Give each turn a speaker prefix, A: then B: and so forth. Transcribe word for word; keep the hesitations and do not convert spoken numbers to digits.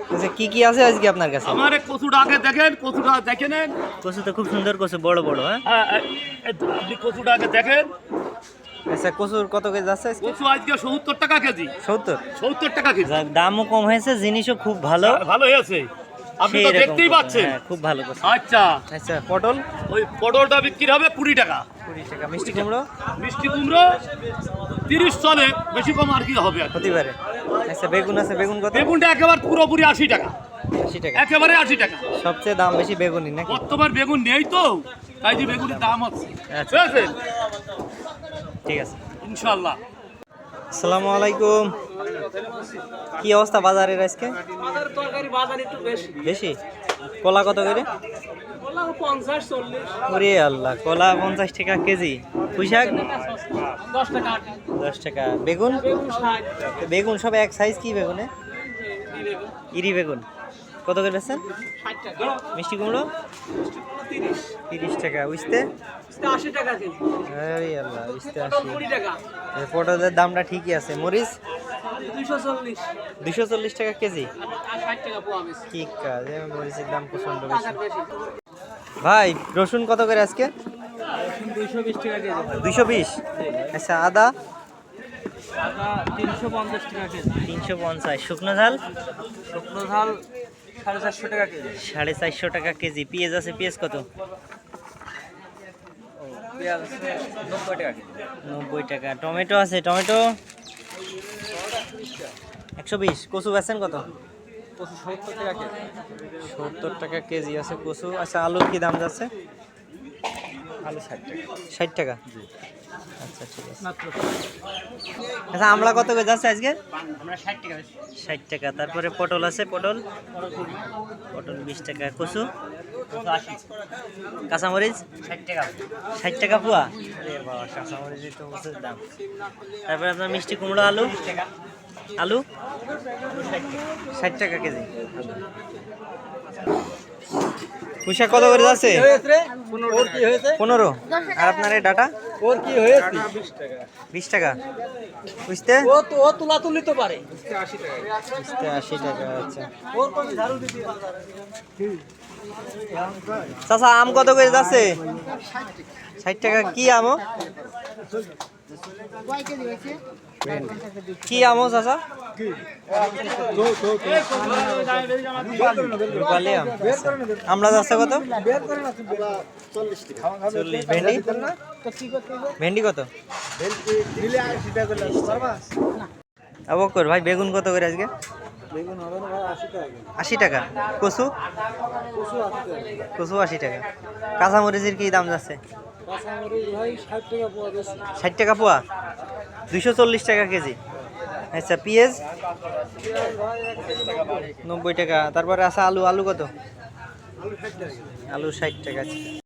A: আচ্ছা কি কি আছে আজকে আপনার কাছে?
B: আমার এই কচুটা আগে দেখেন, কচুটা দেখে নেন।
A: কচু তো খুব সুন্দর কচু, বড় বড়। হ্যাঁ
B: হ্যাঁ, এই- এই আপনি কচুটা আগে দেখেন।
A: আচ্ছা কচুর কত কেজি যাচ্ছে আজকে?
B: কচু আজকে সত্তর টাকা কেজি।
A: সত্তর?
B: সত্তর টাকা কেজি।
A: যাক, দামও কম হয়েছে, জিনিসও খুব ভালো।
B: হ্যাঁ, ভালো হয়েছে, আপনি তো
A: সেই রকম
B: দেখতেই
A: কচু,
B: পাচ্ছেন।
A: হ্যাঁ, খুব ভালো কচু।
B: আচ্ছা,
A: আচ্ছা পটল
B: ওই পটলটা বিক্রি হবে কুড়ি টাকা।
A: কুড়ি টাকা। মিষ্টি কুমড়ো
B: মিষ্টি কুমড়ো তিরিশ চলে, বেশি কম আর কি হবে আর কি।
A: হতে পারে। আচ্ছা বেগুন আছে, বেগুন কত?
B: বেগুনটা একেবারে পুরোপুরি আশি টাকা,
A: আশি টাকা।
B: একেবারে আশি টাকা।
A: সবচেয়ে দাম বেশি বেগুনই নাকি?
B: বর্তমান বেগুন নেই তো, তাই যে বেগুনের দাম আছে।
A: আচ্ছা।
B: বুঝেছেন?
A: ঠিক আছে।
B: ইনশাল্লাহ।
A: আসসালামু আলাইকুম। কি অবস্থা বাজারের আজকে?
C: বাজারের তরকারি বাজার একটু বেশি।
A: বেশি? কলা কত করে?
C: বললাম পঞ্চাশ চল্লিশ।
A: ওরে আল্লাহ, কলা পঞ্চাশ টাকা কেজি। পুঁই শাক
C: দশ টাকা আটি।
A: দশ টাকা। বেগুন?
C: বেগুন ষাট।
A: বেগুন সব এক সাইজ। কি বেগুনে? ইরি বেগুন কত করে বেচছেন?
C: ষাট টাকা।
A: মিষ্টি কুমড়ো
C: তিরিশ।
A: তিরিশ টাকা। উঠতে?
C: আশি টাকা কেজি।
A: আরে আল্লাহ, উঠতে
C: পটল
A: আশি।
C: কুড়ি টাকা।
A: এই পটলের দামটা ঠিকই আছে। মরিচ
C: দুইশো চল্লিশ।
A: দুশো চল্লিশ টাকা কেজি।
C: আর ষাট টাকা পোয়া বেশি।
A: কি কাজ, এই মরিচের দাম প্রচন্ড বেশি।
C: টাকার বেশি।
A: ভাই রসুন কত করে আজকে?
C: দুইশো বিশ টাকা কেজি।
A: দুইশো বিশ। আচ্ছা আদা?
C: টাকা তিনশো পঞ্চাশ টাকা কেজি।
A: তিনশো পঞ্চাশ। শুকনো ঝাল?
C: শুকনো ঝাল সাড়ে চারশো টাকা কেজি।
A: সাড়ে চারশো টাকা কেজি। পেঁয়াজ আছে, পেঁয়াজ কত?
C: পেঁয়াজ নব্বই টাকা কেজি।
A: নব্বই টাকা। টমেটো আছে, টমেটো একশো বিশ। কচু বেচছেন কত?
C: পঁচিশ সত্তর টাকা কেজি।
A: সত্তর টাকা কেজি আছে কচু। আচ্ছা আলুর কি দাম যাচ্ছে?
C: আলু ষাট টাকা।
A: ষাট টাকা। আচ্ছা ঠিক আছে।
C: মাত্র
A: আচ্ছা আমলা কত করে যাচ্ছে আজকে?
C: আমরা ষাট টাকা।
A: ষাট টাকা। তারপরে পটল আছে, পটল পটল বিশ টাকা। কচু?
C: আশি।
A: কাঁচামরিচ?
C: ষাট টাকা।
A: ষাট টাকা পোয়া? আরে বাবা, কাঁচামরিচের তো প্রচুর দাম। তারপরে আপনার মিষ্টি কুমড়ো, আলু? আলু ষাট টাকা কেজি। পুঁইশাক কত করে যাচ্ছে?
C: ওর কি হয়েছে?
A: পনেরো। আর আপনার এই ডাটা?
C: ওর কি হয়েছে?
A: বিশ টাকা। বুঝতে?
C: ও তো ও তুলা তুলি তো পারে।
A: বুঝতে আশি টাকা। আচ্ছা
C: ওর কোনো ঝাড়ু দিতে পারে।
A: চাচা আম কত করে যাচ্ছে? ষাট টাকা। কি আমো? কি আমো চাচা? রূপালী আম। আমলা যাচ্ছে কত? চল্লিশ। ভেন্ডি? ভেন্ডি কত? অবকর ভাই বেগুন কত করে আজকে? আশি টাকা। কচু? কচু আশি টাকা। কাঁচামরিচের কি দাম যাচ্ছে? ষাট টাকা পোয়া? দুইশো চল্লিশ টাকা কেজি। আচ্ছা পেঁয়াজ? নব্বই টাকা। তারপরে আছে আলু, আলু কত? আলু ষাট টাকা।